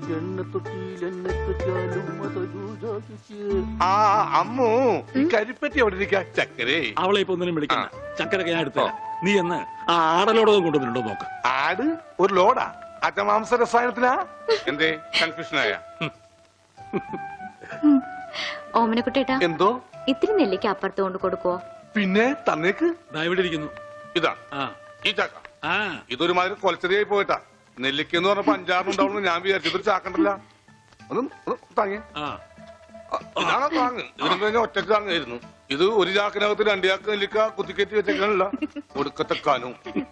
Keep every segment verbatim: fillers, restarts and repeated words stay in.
ആ അമ്മു ഈ കരിപ്പറ്റി എവിടെ ഇരിക്കാ? ചക്കരേ അവളെ ഇപ്പൊ ഒന്നിനും വിളിക്കണ്ട. ചക്കരൊക്കെ ഞാൻ എടുത്ത നീ എന്ന് ആ ആടലോടകം കൊണ്ടുവന്നിട്ടുണ്ടോ നോക്ക്. ആട് ഒരു ലോഡാ? അജമാംസ രസായനത്തിനാ? എന്തേ കൺഫ്യൂഷനായ? ഓമനക്കുട്ടേട്ടാ എന്തോ ഇത്തിരി നെല്ലിക്ക് അപ്പുറത്ത് കൊണ്ട് കൊടുക്കുവോ? പിന്നെ തന്നേക്ക്. ഇവിടെ ഇരിക്കുന്നു. ഇതാ ഈ ചക്ക. ഇതൊരുമാതിരി കൊലച്ചെറിയായി പോയിട്ടാ. നെല്ലിക്ക എന്ന് പറഞ്ഞപ്പോ അഞ്ചാറിനുണ്ടാവുന്നു ഞാൻ വിചാരിച്ചു. ഇതൊരു ചാക്കണ്ടല്ല. ഒന്ന് താങ്ങി. ഇതാണോ താങ്ങ്? ഇതിനും കഴിഞ്ഞ ഒറ്റക്ക് താങ്ങായിരുന്നു. ഇത് ഒരു ചാക്കിനകത്ത് രണ്ടു ചാക്ക് നെല്ലിക്ക കുത്തിക്കയറ്റി വെച്ചേക്കാനല്ല. ഒടുക്കത്തെ കാനും.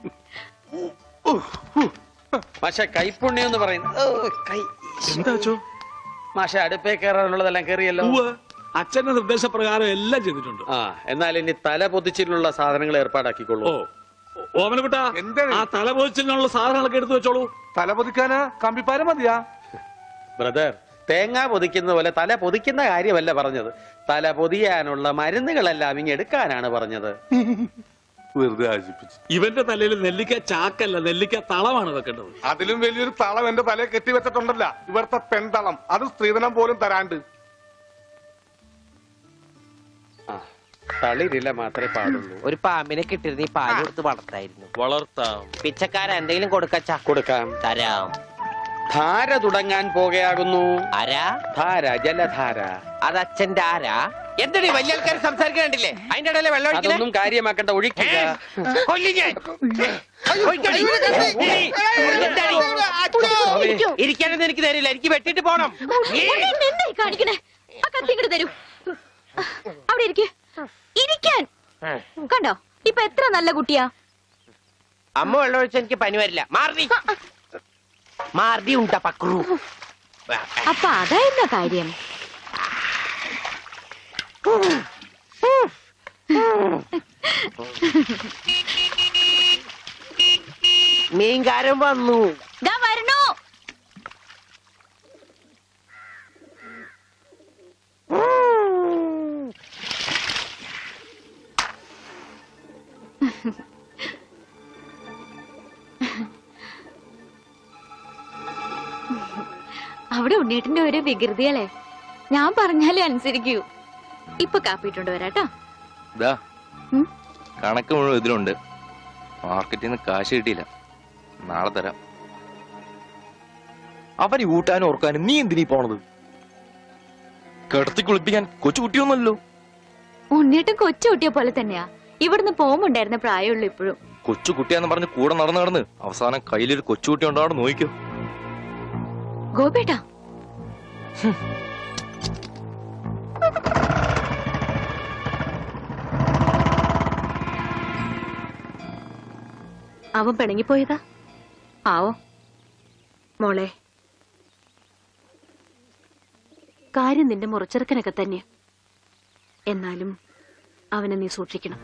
പക്ഷെ കൈപ്പുണ്യം എന്ന് പറയുന്നത് മാഷ അടുപ്പേ കയറാനുള്ളതെല്ലാം കയറിയല്ലോ. അച്ഛന്റെ നിർദ്ദേശപ്രകാരം എല്ലാം ചെയ്തിട്ടുണ്ട്. ആ എന്നാൽ ഇനി തല പൊതിച്ചിട്ടുള്ള സാധനങ്ങൾ ഏർപ്പാടാക്കിക്കൊള്ളൂ. ഓമനക്കുട്ട ആ തല പൊതിച്ചിട്ടുള്ള സാധനങ്ങളൊക്കെ എടുത്തു വെച്ചോളൂ. തല പൊതിക്കാനാ കമ്പിപ്പാര മതിയാ? ബ്രദർ, തേങ്ങ പൊതിക്കുന്ന പോലെ തല പൊതിക്കുന്ന കാര്യമല്ല പറഞ്ഞത്. തല പൊതിയാനുള്ള മരുന്നുകളെല്ലാം ഇങ്ങ് എടുക്കാനാണ് പറഞ്ഞത്. വെറുതെ ആശിപ്പിച്ചു. ഇവന്റെ തലയിൽ നെല്ലിക്ക ചാക്കല്ല, നെല്ലിക്ക തളമാണ് വെക്കേണ്ടത്. അതിലും വലിയൊരു തളം എന്റെ തലയെ കെട്ടി വെച്ചിട്ടുണ്ടല്ല. ഇവിടുത്തെ പെൺതളം. അത് സ്ത്രീധനം പോലും തരാണ്ട്. തളിരില്ല മാത്രമേ പാടുള്ളൂ. ഒരു പാമ്പിനെ കിട്ടിയിരുന്ന ഈ പാല് കൊടുത്ത് വളർത്തായിരുന്നു. വളർത്താം. പിച്ചക്കാര എന്തെങ്കിലും കൊടുക്കച്ചാ? കൊടുക്കാം. തരാം. ധാര തുടങ്ങാൻ പോകയാകുന്നു. ആരാ? ധാര, ജലധാര. അത് അച്ഛന്റെ ആരാ? എന്താണ് വലിയ ആൾക്കാർ സംസാരിക്കണ്ടില്ലേ? അതിന്റെ ഇടയിലെ വെള്ളം അതൊന്നും കാര്യമാക്കണ്ട, ഒഴിക്കുക. ഇരിക്കാനൊന്നും എനിക്ക് തരില്ല, എനിക്ക് വെട്ടിട്ട് പോണം. കാണിക്കണേ ആ കത്തിങ്ങോട്ട് തരൂ. അവിടെ ഇരിക്കേ ഇരിക്കാൻ. കണ്ടോ ഇപ്പൊ എത്ര നല്ല കുട്ടിയാ. അമ്മ വെള്ളം ഒഴിച്ച എനിക്ക് പനി വരില്ല. മാർദി മാർദി ഉണ്ടാ പക്രു. അപ്പൊ അതായിരുന്ന കാര്യം. മീൻകാരൻ വന്നു. വരണോ? അവിടെ ഉണ്ണീട്ടിന്റെ ഒരു വികൃതിയല്ലേ. ഞാൻ പറഞ്ഞാലേ അനുസരിക്കൂ. ഇപ്പൊ കാപ്പിട്ടുണ്ട് വരാട്ടോ. കണക്ക് മുഴുവൻ ഇതിലുണ്ട്. മാർക്കറ്റിൽ നിന്ന് കാശ് കിട്ടിയില്ല. നാളെ തരാം. അവന് കൂട്ടാനും ഓർക്കാനും നീ എന്തിനീ പോണത്? കിടത്തി കുളിപ്പിക്കാൻ കൊച്ചു കുട്ടിയൊന്നുമല്ലോ. ഉണ്ണീട്ടും കൊച്ചു കുട്ടിയെ പോലെ തന്നെയാ. ഇവിടുന്ന് പോകുമുണ്ടായിരുന്ന പ്രായമുള്ളൂ ഇപ്പോഴും. കൊച്ചു കുട്ടിയാന്ന് പറഞ്ഞ് കൂടെ നടന്ന് നടന്ന് അവസാനം കയ്യിലൊരു കൊച്ചുകുട്ടി ഉണ്ടാവും. നോക്കിക്കോ ഗോപേട്ടാ. അവൻ പിണങ്ങിപ്പോയതാ ആവോ? മോളെ, കാര്യം നിന്റെ മുറച്ചെറുക്കനൊക്കെ തന്നെ. എന്നാലും അവനെ നീ സൂക്ഷിക്കണം.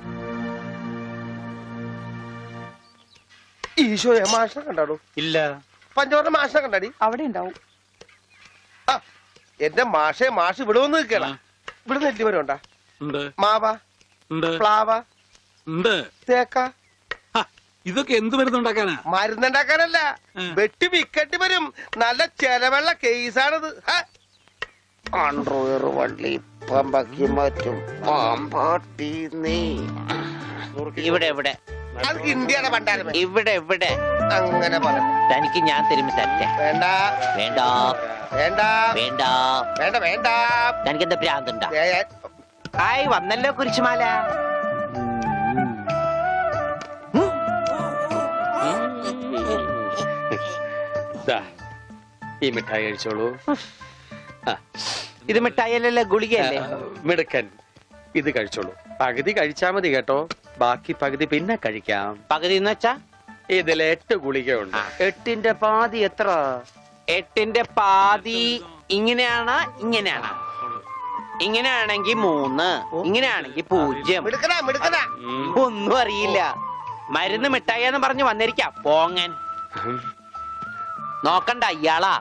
ഈശോയെ മാഷിനെ കണ്ടാടോ? ഇല്ല. പഞ്ചവർണ്ണ മാഷിനെ കണ്ടാടി? അവിടെ ഉണ്ടാവും. എന്റെ മാഷെ, മാഷ് ഇവിടെ വന്ന് നിൽക്കണ. ഇവിടെ നെല്ലിമരം ഉണ്ടാ? മാവ, പ്ലാവ, തേക്ക. ഇതൊക്കെ എന്ത് മരുന്നുണ്ടാക്കാനാ? മരുന്നുണ്ടാക്കാനല്ല, വെട്ടി വിക്കട്ടി വരും. നല്ല ചെലവുള്ള കേസാണിത്. അണ്ടർവെയർ വള്ളി പമ്പക്കി മറ്റും പാമ്പാട്ടി നീ. ഇവിടെ ഇവിടെ അത് ഇന്ത്യയുടെ പണ്ടാരം. ഇവിടെ ഇവിടെ അങ്ങനെ പറയാം. തനിക്ക് ഞാൻ തരുമ്പോ തരട്ടെ. വേണ്ട വേണ്ട വേണ്ട വേണ്ട വേണ്ട വേണ്ട. തനിക്ക് എന്താ ഭ്രാന്തുണ്ടാ? ആയി വന്നല്ലോ കുരിശുമാല. ഈ മിഠായി കഴിച്ചോളൂ. ഇത് മിഠായിയല്ലല്ലോ, ഗുളികയല്ലേ? മിടുക്കൻ. ഇത് കഴിച്ചോളൂ. പകുതി കഴിച്ചാ മതി കേട്ടോ. ബാക്കി പകുതി പിന്നെ കഴിക്കാം. പകുതി എന്ന് വെച്ചാ ഇതിൽ എട്ട് ഗുളികയുണ്ട്. എട്ടിന്റെ പാതി എത്ര? എട്ടിന്റെ പാതി ഇങ്ങനെയാണ്, ഇങ്ങനെയാണ്. ഇങ്ങനെയാണെങ്കി മൂന്ന്, ഇങ്ങനെയാണെങ്കി പൂജ്യം. ഒന്നും അറിയില്ല. മരുന്ന് മിഠായിന്ന് പറഞ്ഞു വന്നിരിക്കാം പോങ്ങൻ. നോക്കണ്ട ഇയാളാ.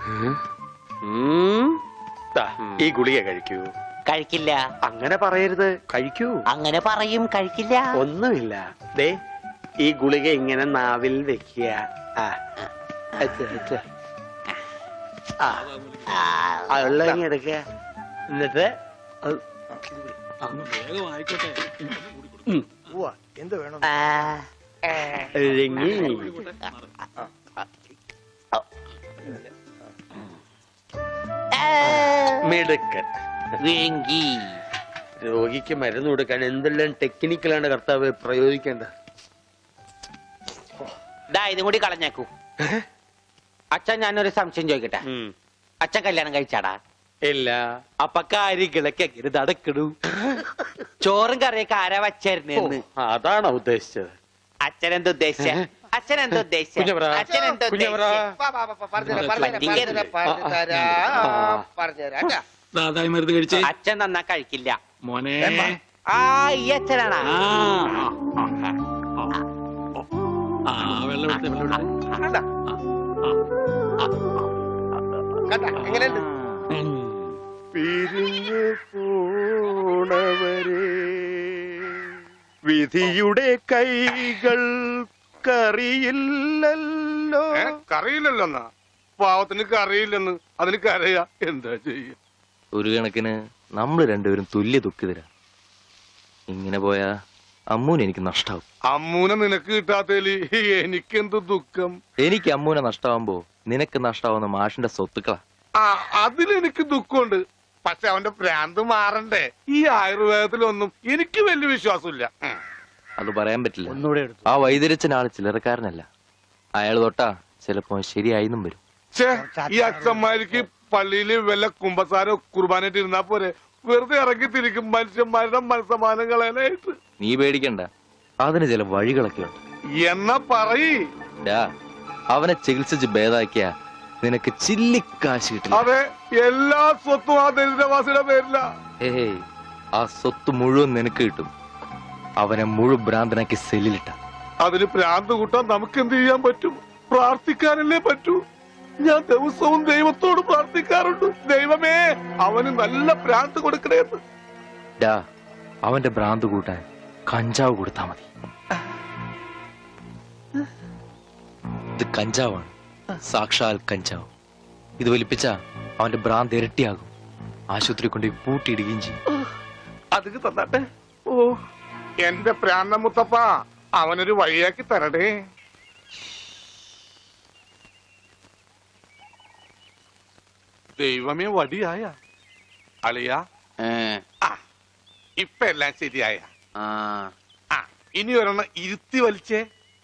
ഈ ഗുളിക കഴിക്കൂ. കഴിക്കില്ല. അങ്ങനെ പറയരുത്, കഴിക്കൂ. അങ്ങനെ പറയും, കഴിക്കില്ല. ഒന്നുമില്ല. ദേ ഈ ഗുളിക ഇങ്ങനെ നാവിൽ വെക്കുക. ഉള്ള എടുക്ക എന്നിട്ട് അങ്ങ് വേഗം ആയിക്കോട്ടെ ഉവ്വ, എന്ത് വേണം ഇറങ്ങി. മിടുക്കൻ. വേങ്കി രോഗിക്ക് മരുന്ന് കൊടുക്കാൻ എന്തെല്ലാം ടെക്നിക്കലാണ് കർത്താവ് പ്രയോഗിക്കേണ്ടത്. ദാ ഇതും കൂടി കളഞ്ഞേക്കൂ. അച്ഛൻ ഞാനൊരു സംശയം ചോദിക്കട്ടെ. ഉം. അച്ഛൻ കല്യാണം കഴിച്ചാടാ? ഇല്ല. അപ്പൊ കാര്യങ്ങളൊക്കെ എങ്ങനെ നടക്കണു? ചോറും കറിയൊക്കെ ആരാ വച്ചായിരുന്നെന്ന് അതാണോ ഉദ്ദേശിച്ചത്? അച്ഛൻ എന്താ ഉദ്ദേശിച്ച? അച്ഛൻ എന്താ ഉദ്ദേശിച്ച? കുഞ്ഞവരാ, അച്ഛൻ എന്താ കുഞ്ഞവരാ. ഉദ്ദേശിച്ച? വാ, വാ, വാ, വാ, പറഞ്ഞുതരാം, പറഞ്ഞുതരാം, പറഞ്ഞുതരാം, പറഞ്ഞുതരാം, കേട്ടാ. ദാതായി മരുന്ന് കഴിച്ചേ അച്ഛൻ നന്നാ കഴിക്കില്ല. മോനെ ആ ഈ അച്ഛനാണാ? ആ ആ, ആ വെള്ളം എടുത്തേ വെള്ളം എടുത്തേ കണ്ടാ? കണ്ടാ? എങ്ങനെയുണ്ട്? പിരിഞ്ഞു പോണവരെ വിധിയുടെ കൈകൾ കറിയില്ലല്ലോ. ഏ, കറിയില്ലല്ലോ എന്നാ പാവത്തിന് കറിയില്ലെന്ന് അതിന് കരയാ എന്താ ചെയ്യ. ഒരു കണക്കിന് നമ്മൾ രണ്ടുപേരും തുല്യ ദുഃഖിതരാ. ഇങ്ങനെ പോയാ അമ്മൂന് എനിക്ക് നഷ്ടാവും. അമ്മൂനെ നിനക്ക് കിട്ടാത്തേലി എനിക്കെന്ത് ദുഃഖം. എനിക്ക് അമ്മൂനെ നഷ്ടാവുമ്പോ നിനക്ക് നഷ്ടാവുന്ന മാഷിന്റെ സ്വത്തുക്കളാ. ആ അതിലെനിക്ക് ദുഃഖമുണ്ട്. പക്ഷെ അവന്റെ ഭ്രാന്ത് മാറണ്ടേ. ഈ ആയുർവേദത്തിലൊന്നും എനിക്ക് വലിയ വിശ്വാസമില്ല. ഉം. അത് പറയാൻ പറ്റില്ല. ഒന്നുകൂടെ എടുത്തു. ആ വൈദ്യരച്ചൻ ആള് ചില്ലറക്കാരനല്ല. അയാൾ തൊട്ടാ ചിലപ്പോ ശരിയായിന്നും വരും. ഛേ, ഈ അച്ഛന്മാർക്ക് പള്ളിയില് വല്ല കുമ്പസാരോ കുർബാനായിട്ട് ഇരുന്നാ പോരെ. വെറുതെ ഇറങ്ങി തിരിക്കും മനുഷ്യന്മാരുടെ മനസ്സമാനം കളയാനായിട്ട്. നീ പേടിക്കണ്ട, അതിന് ചില വഴികളൊക്കെ ഉണ്ട്. എന്നാ പറയ്. ഡാ, അവനെ ചികിത്സിച്ച് ഭേദാക്കിയ നിനക്ക് ചില്ലിക്കാശ് കിട്ടില്ല. അതെ, എല്ലാ സ്വത്തും ആ ദരിദ്രവാസിയുടെ പേരില. ഏയ്, ആ സ്വത്ത് മുഴുവൻ നിനക്ക് കിട്ടും. അവനെ മുഴുവൻ ഭ്രാന്തനാക്കി സെല്ലിലിട്ട. അതിന് ഭ്രാന്ത് കൂട്ടാൻ നമുക്ക് എന്ത് ചെയ്യാൻ പറ്റും? പ്രാർത്ഥിക്കാനല്ലേ പറ്റൂ. ഞാൻ ദിവസവും ദൈവത്തോട് പ്രാർത്ഥിക്കാറുണ്ട്, ദൈവമേ അവന് നല്ല ഭ്രാന്ത് കൊടുക്കണേന്ന്. ഡാ, അവന്റെ ഭ്രാന്ത് കൂട്ടാൻ കഞ്ചാവ് കൊടുത്താ മതി. ഇത് കഞ്ചാവാണ്, സാക്ഷാൽ കഞ്ചാവ്. ഇത് വലിപ്പിച്ച അവന്റെ ഭ്രാന്ത് ഇരട്ടിയാകും. ആശുപത്രി കൊണ്ട് പൂട്ടിയിടുകയും ചെയ്യും. അതിന് തന്നാട്ടെ. ഓ എന്റെ പ്രാന്ത മുത്തപ്പ, അവനൊരു വഴിയാക്കി തരടേ. ദൈവമേ, വടിയായ അളിയ. ആ ഇപ്പൊ എല്ലാം ശരിയായ. ആ ഇനി ഒരെണ്ണം ഇരുത്തി വലിച്ചേ.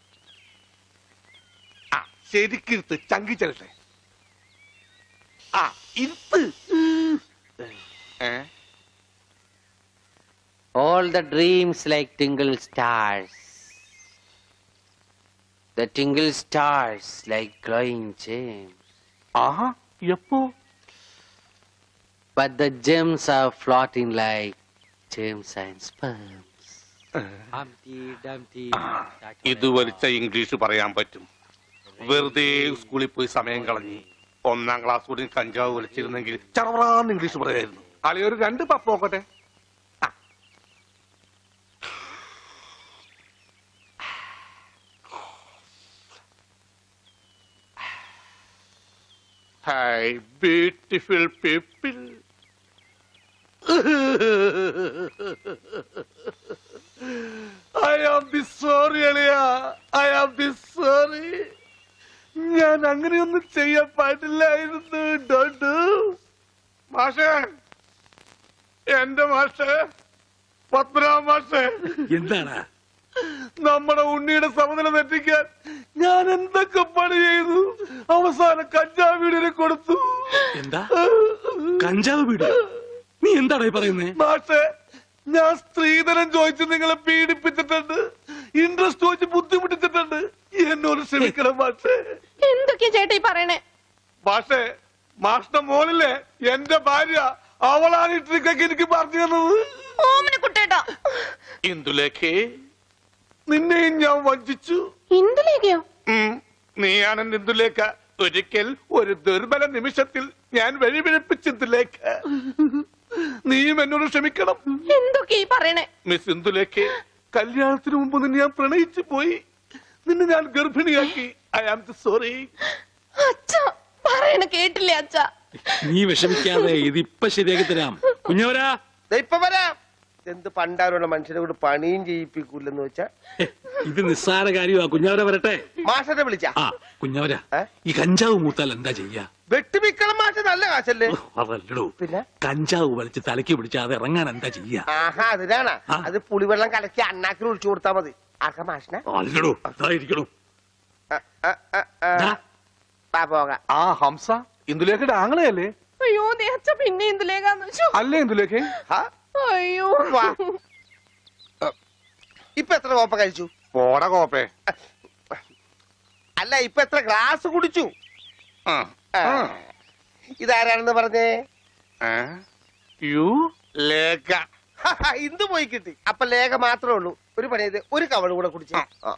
ആ ശരിക്കിരുത്ത്, ചങ്കി ചെല്ലട്ടെ. ആ ഇരുത്ത്. ഏ All the dreams like tingle stars. The tingle stars like glowing gems. ആഹാ എപ്പോ? But the gems are floating like gems and sperms. Humpty Dumpty. ഇത് വലിച്ച ഇംഗ്ലീഷ് പറയാൻ പറ്റും. വെറുതെ സ്കൂളിൽ പോയി സമയം കളഞ്ഞ് ഒന്നാം ക്ലാസ് കൂടി കഞ്ചാവ് വലിച്ചിരുന്നെങ്കിൽ ചറവറാന്ന് ഇംഗ്ലീഷ് പറയായിരുന്നു. അളി ഒരു രണ്ട് പപ്പ് നോക്കട്ടെ. Hi, beautiful people. I am the sorry, Aliya. I am the sorry. ഞാൻ അങ്ങനെയൊന്നും ചെയ്യാൻ പാടില്ലായിരുന്നു. ഡോണ്ട്. മാഷേ, എന്റെ മാഷേ, പത്മനാഭ മാഷേ, എന്താണ് നമ്മുടെ ഉണ്ണിയുടെ സമനില തെറ്റിക്കാൻ ഞാൻ എന്തൊക്കെ പണി ചെയ്തു. അവസാനം കഞ്ചാവ് വീടിനെ കൊടുത്തു. എന്താ കഞ്ചാവ് വീട്? നീ എന്താടാ പറയുന്നേ? മാഷേ, ഞാൻ സ്ത്രീധനം ചോദിച്ച് നിങ്ങളെ പീഡിപ്പിച്ചിട്ടുണ്ട്, ഇൻട്രസ്റ്റ് ചോദിച്ച് ബുദ്ധിമുട്ടിച്ചിട്ടുണ്ട്. എന്നോട് ക്ഷമിക്കണം മാഷേ. എന്തൊക്കെയാ ചേട്ടാ ഈ പറയണേ? മാഷേ, മാഷിന്റെ മോളിലെ എന്റെ ഭാര്യ, അവളാണ് ഈ ട്രിക്കൊക്കെ എനിക്ക് പറഞ്ഞു തന്നത്. ഓമന കുട്ടേട്ടാ. ഇന്ദുലേഖേ, നിന്നെയും ഞാൻ വഞ്ചിച്ചു. ഇന്ദുലേഖയോ? ഉം, നീയാണ് ഇന്ദുലേഖ. ഒരിക്കൽ ഒരു ദുർബല നിമിഷത്തിൽ ഞാൻ വഴിപിഴപ്പിച്ചു ഇന്ദുലേഖ. നീയും എന്നോട് ക്ഷമിക്കണം. എന്തൊക്കെയാ ഈ പറയണേ? മിസ് ഇന്ദുലേഖ, കല്യാണത്തിന് മുമ്പ് നിന്നെ ഞാൻ പ്രണയിച്ചു പോയി. നിന്നെ ഞാൻ ഗർഭിണിയാക്കി. I am sorry. അച്ഛാ, പറയണ കേട്ടില്ലേ അച്ഛ? നീ വിഷമിക്കാതെ ഇതിപ്പൊ ശരിയാക്കി തരാം. കുഞ്ഞവരാ, ദേ ഇപ്പൊ വരാം. എന്ത് പണ്ടാരുള്ള മനുഷ്യനെ കൊണ്ട് പണിയും ചെയ്യിപ്പിക്കൂലെന്ന് വെച്ചാ ഏ, ഇത് നിസ്സാര കാര്യമാ. കുഞ്ഞവര വരട്ടെ. മാഷനെ വിളിച്ച ആ കുഞ്ഞവര, ഏ? ഈ കഞ്ചാവ് മൂത്താൽ എന്താ ചെയ്യാ? വെട്ടിമിക്കളം മാഷ നല്ല കാശല്ലേ? ഓ, അതല്ലടോ, പിന്നെ കഞ്ചാവ് വലിച്ച് തലയ്ക്ക് പിടിച്ചാ അത് ഇറങ്ങാൻ എന്താ ചെയ്യാ? ആഹാ അതിനാണ് ആ. അത് പുളിവെള്ളം കലക്കി അണ്ണാക്കിൽ ഒഴിച്ചു കൊടുത്താ മതി. ആക്ക മാഷിനെ അല്ലടോ, അതായിരിക്കണോ. ആ, ആ, ആ, ആ. ദാ, വാ പോകാം. ആ ഹംസ ഇന്ദുലേഖയുടെ ആങ്ങളെയല്ലേ? അയ്യോ ദേ അച്ഛ പിന്നെ എന്തിലേക്കാന്ന് വെച്ചു. അല്ലേ ഇന്ദുലേഖ? ആ, അയ്യോ വാ. ഇപ്പൊ എത്ര കോപ്പ കഴിച്ചു? പോടാ കോപ്പേ. അല്ല ഇപ്പൊ എത്ര ഗ്ലാസ് കുടിച്ചു? ആ, ആ. ഇതാരാണെന്ന് പറഞ്ഞേ? ഏ? യു ലേഖ. ഇന്ത് പോയി കിട്ടി. അപ്പൊ ലേഖ മാത്രമേ ഉള്ളൂ. ഒരു പണി ചെയ്ത് ഒരു കവള് കൂടെ കുടിച്ചു.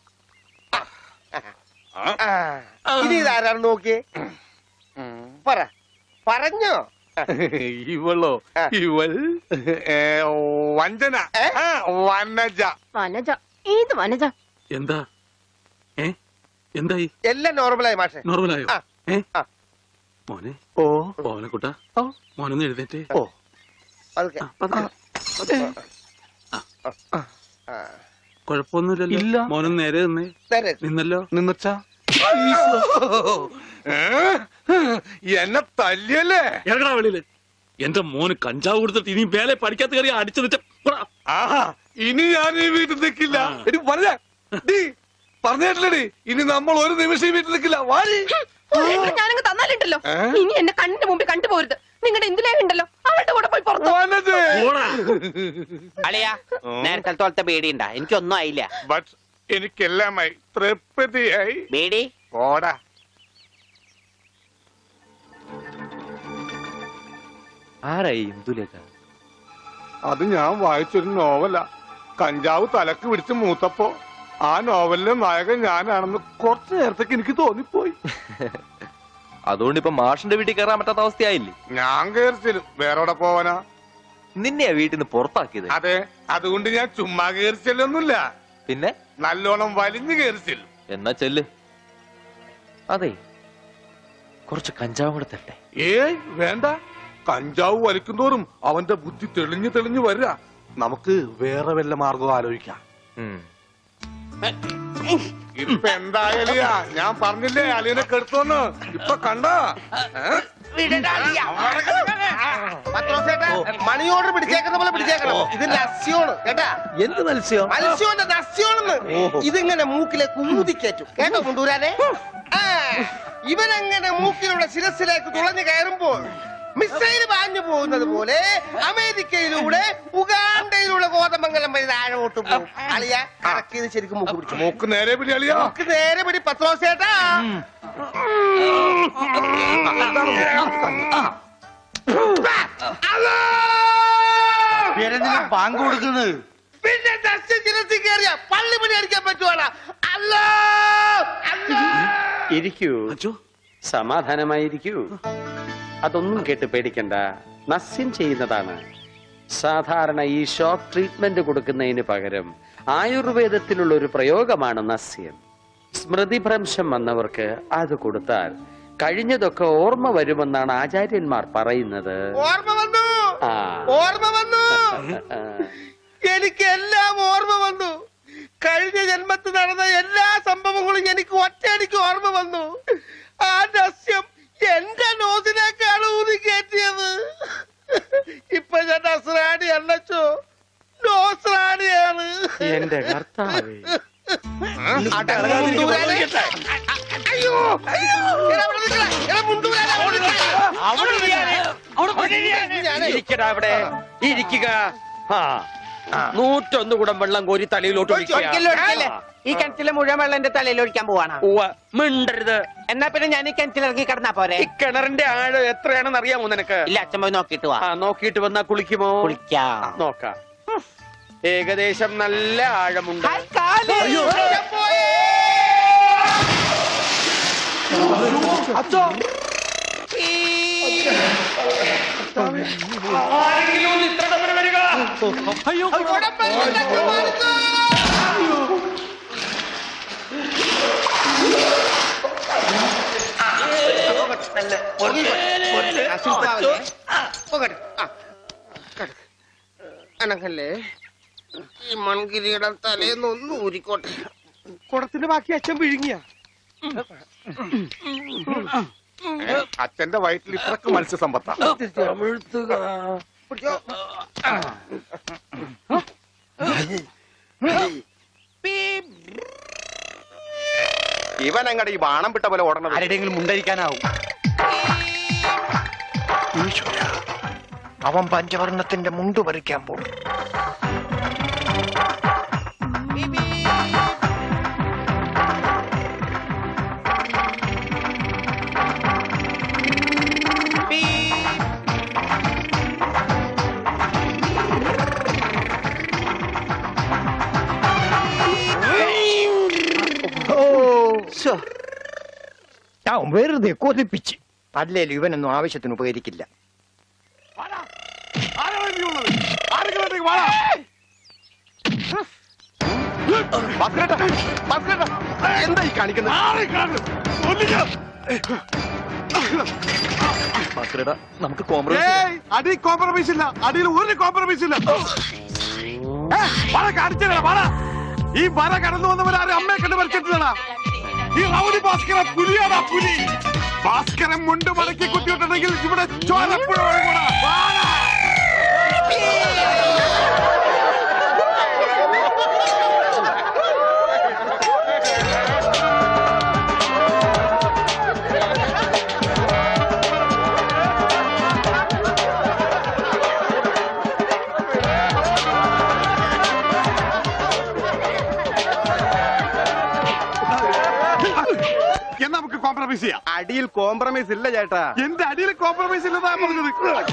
ഇനി ഇതാരാണെന്ന് നോക്കിയേ. പറ പറഞ്ഞോ. ഇവളോ? ആ. ഇവൾ ഏ, വഞ്ചന. ഏ? ആ, വനജ. വനജ, ഏത് വനജ? എന്താ ഏ എന്തായി? എല്ലാം നോർമലായി മാഷെ. നോർമലായോ? ആ. ഏ ആ. മോനെ, ഓ മോനെക്കുട്ട, ഓ. മോനൊന്ന് എഴുന്നേറ്റേ. ഓ അതൊക്കെ ആ, പതുക്കെ, പതുക്കെ. ആ. കുഴപ്പമൊന്നുമില്ലല്ലോ. ഇല്ല. മോനൊന്ന് നേരെ നിന്നേ. നേരെ. നിന്നല്ലോ. നിന്നച്ചാ എന്നെ തല്ലിയല്ലേ? ഇറങ്ങടാ വെളിയില്. എന്റെ മോന് കഞ്ചാവ് കൊടുത്തിട്ട് ഇനി മേലെ പഠിക്കാത്ത കയറി അടിച്ചു നിച്ച. ആഹാ ഇനി ഞാൻ ഈ വീട്ടിൽ നിൽക്കില്ല. ആ. എടി പറഞ്ഞ പറഞ്ഞിട്ടില്ലടി, ഇനി നമ്മൾ ഒരു നിമിഷം ഈ വീട്ടിൽ നിൽക്കില്ല. വാരി ഞാനങ്ങ് തന്നാലുണ്ടല്ലോ, ഏ? ഇനി എന്നെ കണ്ണിന്റെ മുമ്പിൽ കണ്ടുപോരുത്. നിങ്ങളുടെ എന്തിലേക്ക് ഉണ്ടല്ലോ അവളുടെ കൂടെ പോയി പുറത്തു. വനജേ. അളിയാ നേരത്തെ തോളത്തെ ബേടിയുണ്ടാ? എനിക്കൊന്നും ആയില്ല. ബട്ട് എനിക്കെല്ലാമായി തൃപ്തിയായി. ബേടി പോടാ. ആരായി ഇന്ദുലേഖ? അത് ഞാൻ വായിച്ചൊരു നോവലാ. കഞ്ചാവ് തലക്ക് പിടിച്ച് മൂത്തപ്പോ ആ നോവലിലെ നായകൻ ഞാനാണെന്ന് കുറച്ചു നേരത്തേക്ക് എനിക്ക് തോന്നിപ്പോയി. അതുകൊണ്ട് ഇപ്പൊ മാഷിന്റെ വീട്ടിൽ കയറാൻ പറ്റാത്ത അവസ്ഥയായില്ലേ? ഞാൻ കയറിച്ചിലും വേറെ പോവാനാ? നിന്നെയാ വീട്ടിൽ നിന്ന് പുറത്താക്കിയത്. അതെ, അതുകൊണ്ട് ഞാൻ ചുമ്മാ കയറിച്ചല്ലൊന്നുമില്ല, പിന്നെ നല്ലോണം വലിഞ്ഞു കയറിച്ചില്ലും. എന്നാ ചെല്ല്. അതെ, കുറച്ച് കഞ്ചാവും കൂടെ തട്ടെ. ഏയ് വേണ്ട, കഞ്ചാവ് വലിക്കുന്തോറും അവന്റെ ബുദ്ധി തെളിഞ്ഞു തെളിഞ്ഞു വരിക. നമുക്ക് വേറെ വല്ല മാർഗം ആലോചിക്കാം. ഉം. ഇപ്പൊ എന്തായാലും ഞാൻ പറഞ്ഞില്ലേ അളിയനെ കെടുത്തോന്ന്. ഇപ്പൊ കണ്ട മണി ഓർഡർ പിടിച്ചേക്കുന്ന പോലെ പിടിച്ചേക്കണം. ഇത് നസ്യോണ് കേട്ടാ. എന്ത് മത്സ്യം? മത്സ്യോന്റെ നസ്യോണെന്ന്. ഇതിങ്ങനെ മൂക്കിലെ കുമുതിക്കേറ്റും കേട്ടോ കൊണ്ടുവരാനെ. ഇവനങ്ങനെ മൂക്കിലൂടെ ശിരസിലേക്ക് തുളഞ്ഞു കയറുമ്പോൾ മിസൈൽ പാഞ്ഞു പോകുന്നത് പോലെ അമേരിക്കയിലൂടെ ഉഗാണ്ടയിലൂടെ കോതമംഗലം വഴി താഴോട്ട് പോകും. അളിയ കറക്കിയത് ശരിക്കും മൂക്ക് പിടിച്ചു. മൂക്ക് നേരെ പിടി അളിയാ. മൂക്ക് നേരെ പിടി പത്രോസേട്ടാ. പാങ്ക് കൊടുക്കുന്നത് പിന്നെ ദർശൻ ശിരസിൽ കയറിയ പള്ളി പണി അടിക്കാൻ പറ്റുവാണ്. അല്ലോ അല്ലോ. ഇരിക്കൂ, അച്ചോ, സമാധാനമായിരിക്കൂ. അതൊന്നും കേട്ട് പേടിക്കണ്ട. നസ്യം ചെയ്യുന്നതാണ്. സാധാരണ ഈ ഷോക്ക് ട്രീറ്റ്മെന്റ് കൊടുക്കുന്നതിന് പകരം ആയുർവേദത്തിലുള്ള ഒരു പ്രയോഗമാണ് നസ്യം. സ്മൃതിഭ്രംശം വന്നവർക്ക് അത് കൊടുത്താൽ കഴിഞ്ഞതൊക്കെ ഓർമ്മ വരുമെന്നാണ് ആചാര്യന്മാർ പറയുന്നത്. ഓർമ്മ വന്നു, ആ ഓർമ്മ വന്നു. എനിക്ക് എല്ലാം ഓർമ്മ വന്നു. കഴിഞ്ഞ ജന്മത്തിൽ നടന്ന എല്ലാ സംഭവങ്ങളും എനിക്ക് ഒറ്റയടിക്ക് ഓർമ്മ വന്നു. ആ നസ്യം എന്റെ നോസിനേക്കാണ് ഊതി കയറ്റിയത്. ഇപ്പൊ ഞാൻ നസ്രാണി അല്ലച്ചോ, നോസ്രാണിയാണ്. എന്റെ കർത്താവേ. അയ്യോ അയ്യോ, എടാ അവിടെ നിൽക്കടാ, എടാ മുണ്ടൂരാ, അവിടെ നിൽക്കടാ. ഇരിക്കടാ അവിടെ, ഇരിക്കുക. ആ നൂറ്റൊന്ന് കുടം വെള്ളം കോരി തലയിലോട്ട് ഒഴിക്കുക. ഈ കിണറ്റിലെ മുഴുവൻ വെള്ളം എന്റെ തലയിൽ ഒഴിക്കാൻ പോവാണ്. ഉവ്വ, മിണ്ടരുത്. എന്നാ പിന്നെ ഞാൻ ഈ കിണറ്റിൽ ഇറങ്ങി കിടന്നാ പോരെ? ഈ കിണറിന്റെ ആഴം എത്രയാണെന്ന് അറിയാമോ നിനക്ക്? ഇല്ല, അച്ഛൻ പോയി നോക്കിട്ട് വാ. ആ നോക്കിയിട്ട് വന്നാ കുളിക്കുമോ? കുളിക്കാം. നോക്കാം. ഏകദേശം നല്ല ആഴമുണ്ട്. ഹായ്, കാല്. അച്ഛോ അയ്യോ, നല്ല അനക്കല്ലേ ഈ മൺകിരിയുടെ തലേന്നൊന്ന് ഊരിക്കോട്ടെ. കുടത്തിന്റെ ബാക്കി അച്ഛൻ വിഴുങ്ങിയ അച്ഛന്റെ വയറ്റിൽ ഇത്രക്ക് മത്സ്യസമ്പത്താ. ഇവൻ അങ്ങടെ ഈ ബാണം വിട്ട പോലെ ഓടണം. ആരുടെയെങ്കിലും മുണ്ടരിക്കാനാവും. അവൻ പഞ്ചവർണ്ണത്തിന്റെ മുണ്ട് പറിക്കാൻ പോകും. ഞാൻ വെറുതെ കൊതിപ്പിച്ച് അല്ലേലും ഇവനൊന്നും ആവശ്യത്തിന് ഉപകരിക്കില്ല. എന്താ ഈ കാണിക്കുന്നത്? നമുക്ക് കോംപ്രമൈസ് അടി കോംപ്രമൈസ് ഇല്ല. അടിയിൽ ഒരു കോംപ്രമൈസ് ഇല്ല. കാണിച്ചാ ഈ വര കടന്നു വന്നവരാരും അമ്മയെ കണ്ട് വരച്ചിട്ടില്ലടാ. ഈ റൗഡി ഭാസ്കര പുലിയാടാ പുലി. ഭാസ്കരൻ മുണ്ട് മടക്കി കുത്തിയിട്ടുണ്ടെങ്കിൽ ഇവിടെ ചോരപ്പുഴ ഒഴുകൂടാ. നമുക്ക് കോംപ്രമൈസ് ചെയ്യാം. അടിയിൽ കോംപ്രമൈസ് ഇല്ല ചേട്ടാ. എന്റെ അടിയിൽ കോംപ്രമൈസ് ഇല്ലെന്നാ പറഞ്ഞത്.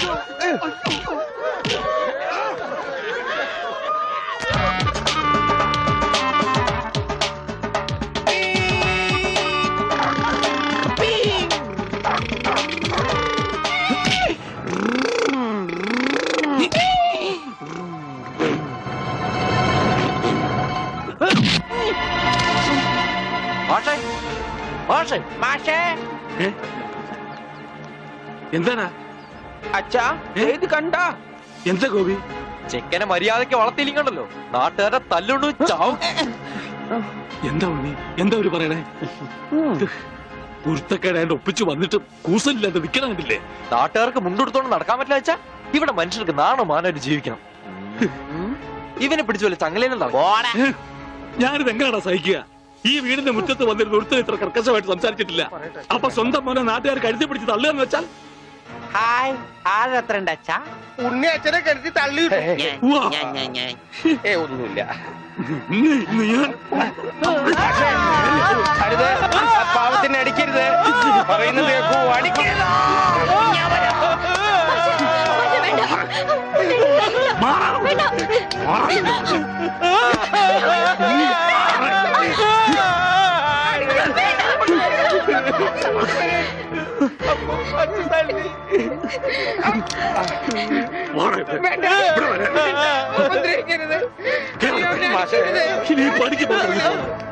എന്താണ് അച്ഛാ ഇത് കണ്ട എന്താ ഗോപി? ചെക്കനെ മര്യാദക്ക് വളർത്തിയില്ലണ്ടല്ലോ, നാട്ടുകാരെ തല്ലുകൊണ്ട് ചാവും. എന്താ ഉണ്ണി, എന്താ ഒരു പറയണേ? കുരുത്തക്കേടായിട്ട് ഒപ്പിച്ചു വന്നിട്ട് കൂസലില്ലാതെ നിൽക്കണം കണ്ടില്ലേ? നാട്ടുകാർക്ക് മുണ്ടെടുത്തോണ്ട് നടക്കാൻ പറ്റില്ല വെച്ചാ ഇവിടെ മനുഷ്യർക്ക് നാണോ മാനായിട്ട് ജീവിക്കണം. ഇവനെ പിടിച്ചു പോലെ ചങ്ങലയിലുണ്ടാവും. ഞാനിത് എങ്ങനെയാണോ സഹിക്കുക? ഈ വീടിന്റെ മുറ്റത്ത് വന്നിരുന്ന ഒരുത്തൻ ഇത്ര കർക്കശമായിട്ട് സംസാരിച്ചിട്ടില്ല. അപ്പൊ സ്വന്തം മോനെ നാട്ടുകാർ കഴുതി പിടിച്ച് തള്ളുകയെന്ന് വെച്ചാൽ ഹായ് ആരത്ര അച്ഛാ? ഉണ്ണി അച്ഛനെ കരുതി തള്ളി. ഏ ഒന്നുമില്ല. അരുത്, പാവത്തിന് അടിക്കരുത്. പറയുന്നത് കേൾക്കൂ, അടിക്കരുത്. ഇനി പഠിക്ക് പോകുന്നു.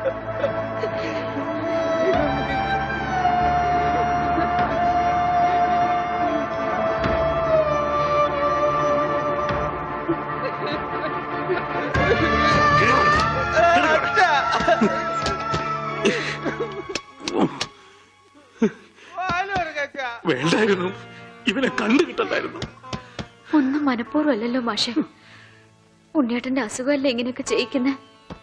വേണ്ടായിരുന്നു, ഇവനെ കണ്ടു കിട്ടണ്ടായിരുന്നു. ഒന്നും മനഃപൂർവ്വമല്ലല്ലോ മാഷെ. ഉണ്ണിയേട്ടന്റെ അസുഖമല്ലേ ഇങ്ങനെയൊക്കെ ചെയ്യിക്കുന്നേ?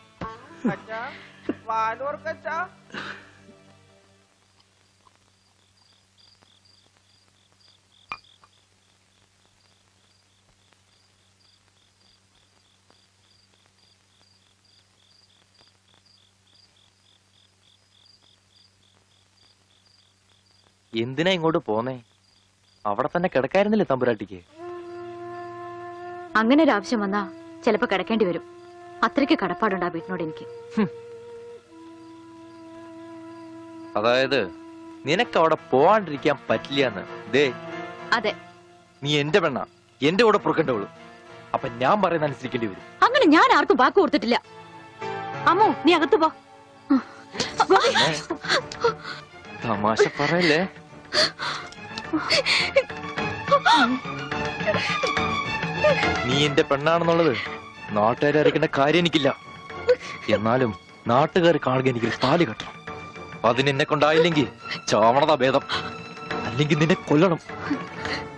എന്തിനാ ഇങ്ങോട്ട് പോന്നേ? അവിടെ തന്നെ കിടക്കായിരുന്നില്ലേ തമ്പുരാട്ടിക്ക്? അങ്ങനെ ഒരു ആവശ്യം വന്നാ ചിലപ്പോ കിടക്കേണ്ടി വരും. അത്രയ്ക്ക് കടപ്പാടുണ്ട് ആ വീട്ടിനോട് എനിക്ക്. അതായത് നിനക്ക് അവിടെ പോവാണ്ടിരിക്കാൻ പറ്റില്ല. ദേ അതെ, നീ എന്റെ പെണ്ണ, എന്റെ കൂടെ പുറക്കേണ്ടവള്. അപ്പൊ ഞാൻ പറയുന്ന അനുസരിക്കേണ്ടി വരും. അങ്ങനെ ഞാൻ ആർക്കും വാക്ക് കൊടുത്തിട്ടില്ല. അമ്മോ, നീ അകത്ത് പോ. തമാശ പറയല്ലേ? നീ എന്റെ പെണ്ണാണെന്നുള്ളത് നാട്ടുകാരെ അറിയിക്കേണ്ട കാര്യം എനിക്കില്ല. എന്നാലും നാട്ടുകാർ കാണുക എനിക്ക് താലി കെട്ടണം. അതിനെന്നെ കൊണ്ടായില്ലെങ്കിൽ ചാവണതാ ഭേദം. അല്ലെങ്കിൽ നിന്നെ കൊല്ലണം.